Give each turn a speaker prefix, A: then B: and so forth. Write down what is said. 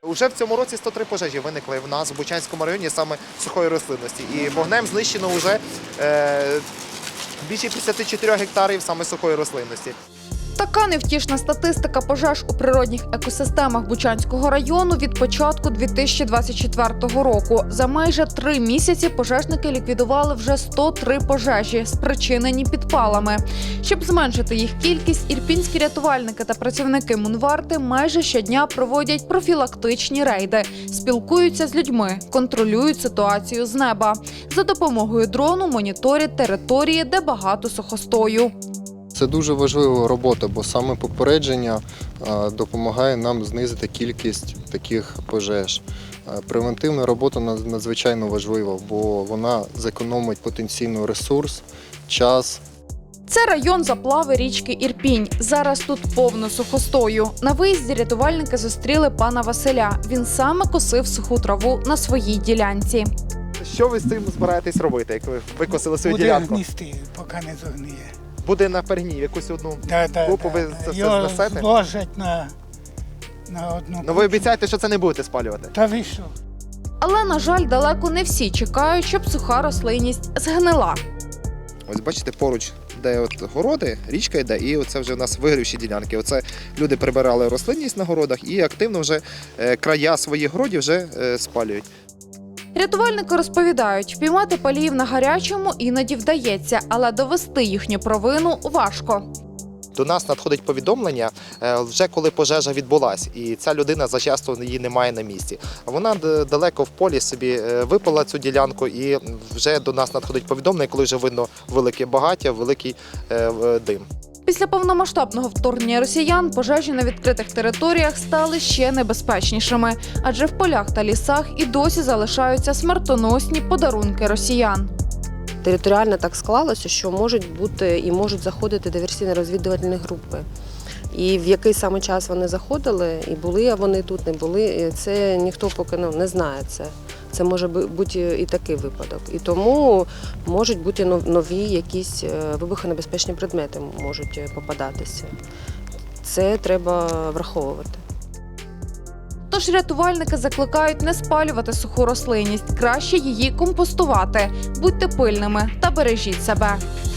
A: Уже в цьому році 103 пожежі виникли в нас в Бучанському районі саме сухої рослинності. І вогнем знищено вже більше 54 гектарів саме сухої рослинності.
B: Така невтішна статистика пожеж у природних екосистемах Бучанського району від початку 2024 року. За майже 3 місяці пожежники ліквідували вже 103 пожежі, спричинені підпалами. Щоб зменшити їх кількість, ірпінські рятувальники та працівники Мунварти майже щодня проводять профілактичні рейди, спілкуються з людьми, контролюють ситуацію з неба. За допомогою дрону моніторять території, де багато сухостою.
C: Це дуже важлива робота, бо саме попередження допомагає нам знизити кількість таких пожеж. Превентивна робота надзвичайно важлива, бо вона зекономить потенційний ресурс, час.
B: Це район заплави річки Ірпінь. Зараз тут повно сухостою. На виїзді рятувальники зустріли пана Василя. Він саме косив суху траву на своїй ділянці.
A: Що ви з цим збираєтесь робити, як ви викосили свою ділянку?
D: Буде гністи, поки не зогниє.
A: Буде на пергні, якусь одну групу ви це все
D: Його
A: знесете?
D: зложать на одну.
A: Ну ви обіцяєте, що це не будете спалювати?
D: Та ви що?
B: Але, на жаль, далеко не всі чекають, щоб суха рослинність згнила.
A: Ось бачите, поруч, де от городи, річка йде, і оце вже в нас вигрівші ділянки. Оце люди прибирали рослинність на городах і активно вже края своїх городів вже спалюють.
B: Рятувальники розповідають, впіймати паліїв на гарячому іноді вдається, але довести їхню провину важко.
A: До нас надходить повідомлення, вже коли пожежа відбулась, і ця людина зачасто її немає на місці. Вона далеко в полі собі випала цю ділянку, і вже до нас надходить повідомлення, коли вже видно велике багаття, великий дим.
B: Після повномасштабного вторгнення росіян пожежі на відкритих територіях стали ще небезпечнішими, адже в полях та лісах і досі залишаються смертоносні подарунки росіян.
E: Територіально так склалося, що можуть бути і можуть заходити диверсійно-розвідувальні групи. І в який саме час вони заходили, і були вони тут, не були, це ніхто поки не знає це. Це може бути і такий випадок. І тому можуть бути нові якісь вибухонебезпечні предмети можуть попадатися. Це треба враховувати.
B: Тож рятувальники закликають не спалювати суху рослинність, краще її компостувати. Будьте пильними та бережіть себе.